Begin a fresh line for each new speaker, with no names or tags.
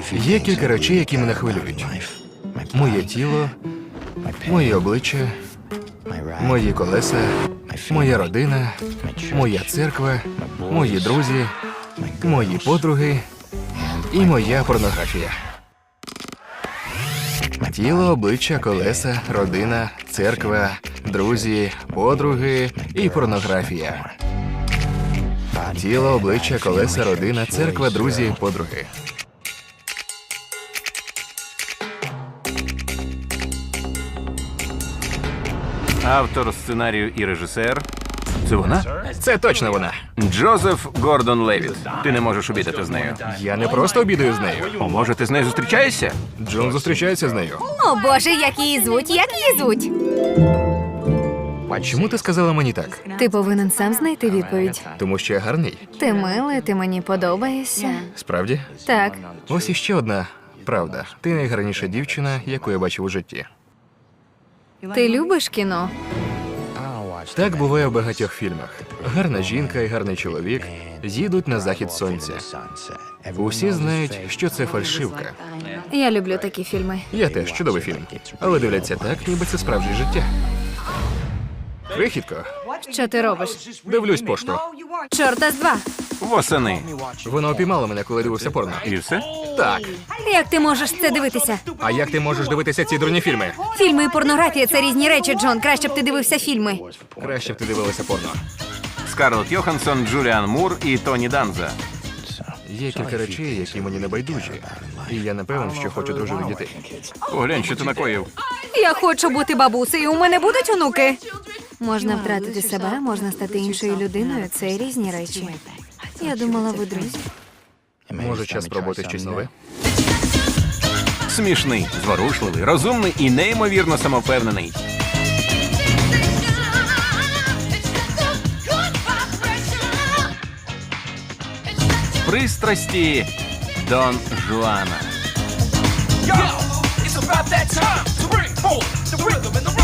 Є кілька речей, які мене хвилюють. Моє тіло, моє обличчя, мої колеса, моя родина, моя церква, мої друзі, мої подруги і моя порнографія. Тіло, обличчя, колеса, родина, церква, друзі, подруги і порнографія. Тіло, обличчя, колеса, родина, церква, друзі, подруги.
Автор сценарію і режисер. Це вона?
Це точно вона.
Джозеф Гордон Левіт. Ти не можеш обідати з нею.
Я не просто обідаю з нею.
О, може, ти з нею зустрічаєшся?
Джон зустрічається з нею.
О, Боже, як її звуть, як її звуть?
Чому ти сказала мені так?
Ти повинен сам знайти відповідь.
Тому що я гарний.
Ти милий, ти мені подобаєшся.
Справді?
Так,
Ось іще одна правда. Ти найгарніша дівчина, яку я бачив у житті.
ти любиш кіно?
Так буває в багатьох фільмах. Гарна жінка і гарний чоловік їдуть на захід сонця. Усі знають, що це фальшивка.
Я люблю такі фільми.
Я теж чудовий фільм. Але дивляться так, ніби це справжнє життя. Крихітко,
Що ти робиш?
дивлюсь пошту.
Чорта з два.
Восени.
Вона опіймала мене, коли дивився порно.
І все?
Так.
Як ти можеш це дивитися?
А як ти можеш дивитися ці дурні фільми?
Фільми і порнографія – це різні речі, Джон. Краще б ти дивився фільми.
Краще б ти дивилася порно.
Скарлетт Йоханссон, Джуліан Мур і Тоні Данза.
Є кілька речей, які мені не байдужі. І я не певен, що хочу дружити дітей.
Поглянь, що ти накоїв.
Я хочу бути бабусею, у мене будуть онуки. Можна втратити себе, можна стати іншою людиною. Це різні речі. Я думала, ви друзі.
Може, час спробувати щось нове?
Смішний, зворушливий, розумний і неймовірно самовпевнений. Пристрасті Дон Жуана.
Yo, it's about that time to bring forth the rhythm and the